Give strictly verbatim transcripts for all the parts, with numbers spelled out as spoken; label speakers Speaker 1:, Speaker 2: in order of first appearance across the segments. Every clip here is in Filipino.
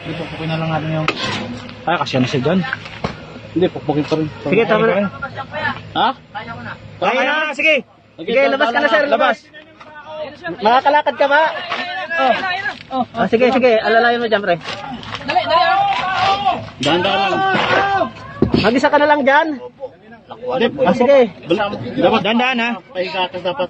Speaker 1: Pupukpukin na lang natin yung... Ay, kasya na siya dyan. Hindi, pupukpukin pa rin.
Speaker 2: Sige, tama na.
Speaker 1: Ha?
Speaker 2: Kaya na, sige.
Speaker 1: Sige,
Speaker 2: Sige, labas ka na sir, labas.
Speaker 1: Labas.
Speaker 2: Makakalakad ka ba? Oh. Oh. Ah, sige, sige, alalayan mo dyan, pre.
Speaker 3: Dali, dali.
Speaker 1: Dahan-dahan lang.
Speaker 2: Mag-isa ka na lang dyan. Ah, sige.
Speaker 1: Dapat dahan-dahan ha. Pahigatas dapat.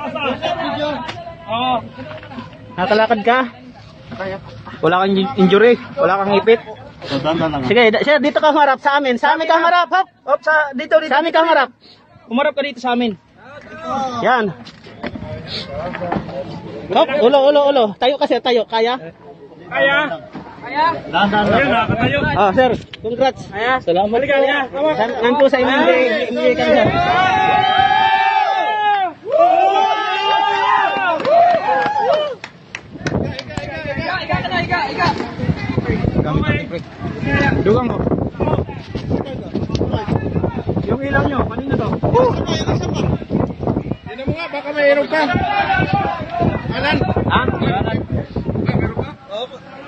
Speaker 3: Oo.
Speaker 2: Nakakalakad ka. Wala kang injury, wala kang ipit.
Speaker 1: So, dahan-dahan lang.
Speaker 2: Sige, da- sir, dito ka humarap sa amin. Sa amin ka humarap, hop. Hop, sa dito, dito. Sa amin ka humarap.
Speaker 3: Umarap ka dito sa amin.
Speaker 2: Yan. Hop, ulo, ulo, ulo. Tayo kasi, tayo. Kaya?
Speaker 3: Kaya? Kaya?
Speaker 1: Dahan-dahan lang.
Speaker 3: Nakakatayo.
Speaker 2: Ah, sir, congrats.
Speaker 3: Kaya?
Speaker 2: Salamat po. Nan- Nan po sa M M D. M M D ka, sir.
Speaker 3: Iga ka na, iga, iga.
Speaker 1: Dugang ko. Yung ilaw nyo, kanina to. Hindi mo nga, baka mayroon ka. Alan?
Speaker 2: Ha?
Speaker 1: Alan? Mayroon ka? Oo.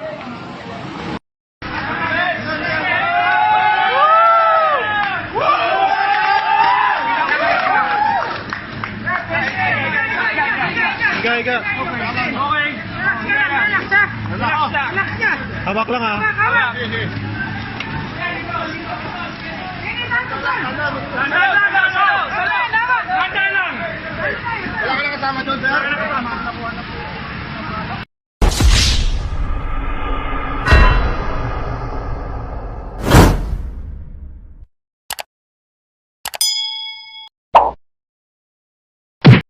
Speaker 1: Iga, iga.
Speaker 3: Okay. Relax siya. Relax siya. Relax siya.
Speaker 1: Hawak lang ha.
Speaker 3: Hawak. Wala ka lang kasama doon, sir? Wala ka lang kasama.